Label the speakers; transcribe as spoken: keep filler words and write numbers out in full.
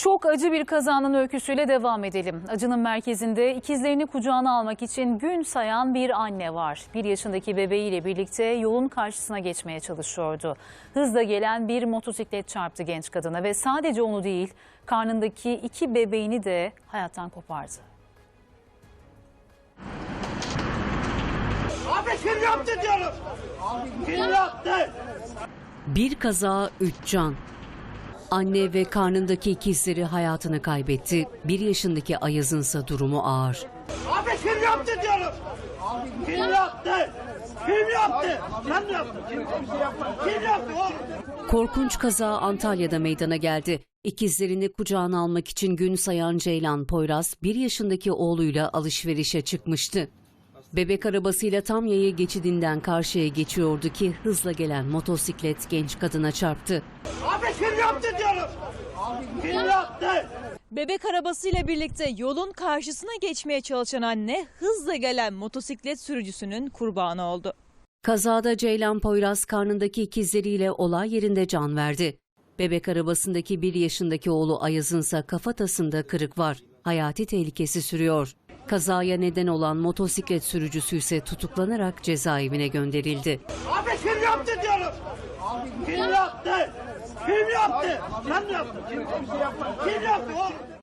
Speaker 1: Çok acı bir kazanın öyküsüyle devam edelim. Acının merkezinde ikizlerini kucağına almak için gün sayan bir anne var. Bir yaşındaki bebeğiyle birlikte yolun karşısına geçmeye çalışıyordu. Hızla gelen bir motosiklet çarptı genç kadına ve sadece onu değil, karnındaki iki bebeğini de hayattan kopardı.
Speaker 2: Abi kim yaptı diyorum. Kim yaptı?
Speaker 3: Bir kaza, üç can. Anne ve karnındaki ikizleri hayatını kaybetti. Bir yaşındaki Ayaz'ınsa durumu ağır.
Speaker 2: Abi kim yaptı diyorum. Kim yaptı? Kim yaptı? Sen mi yaptın? Kim, kim yaptı oğlum?
Speaker 3: Korkunç kaza Antalya'da meydana geldi. İkizlerini kucağına almak için gün sayan Ceylan Poyraz, bir yaşındaki oğluyla alışverişe çıkmıştı. Bebek arabasıyla tam yaya geçidinden karşıya geçiyordu ki hızla gelen motosiklet genç kadına çarptı.
Speaker 2: Abi kim yaptı diyorum. Kim yaptı?
Speaker 4: Bebek arabasıyla birlikte yolun karşısına geçmeye çalışan anne hızla gelen motosiklet sürücüsünün kurbanı oldu.
Speaker 3: Kazada Ceylan Poyraz karnındaki ikizleriyle olay yerinde can verdi. Bebek arabasındaki bir yaşındaki oğlu Ayaz'ınsa kafatasında kırık var. Hayati tehlikesi sürüyor. Kazaya neden olan motosiklet sürücüsü ise tutuklanarak cezaevine gönderildi.
Speaker 2: Abi kim yaptı diyorum. Kim yaptı? Kim yaptı? Sen mi yaptın? Kim, kim yaptı oğlum?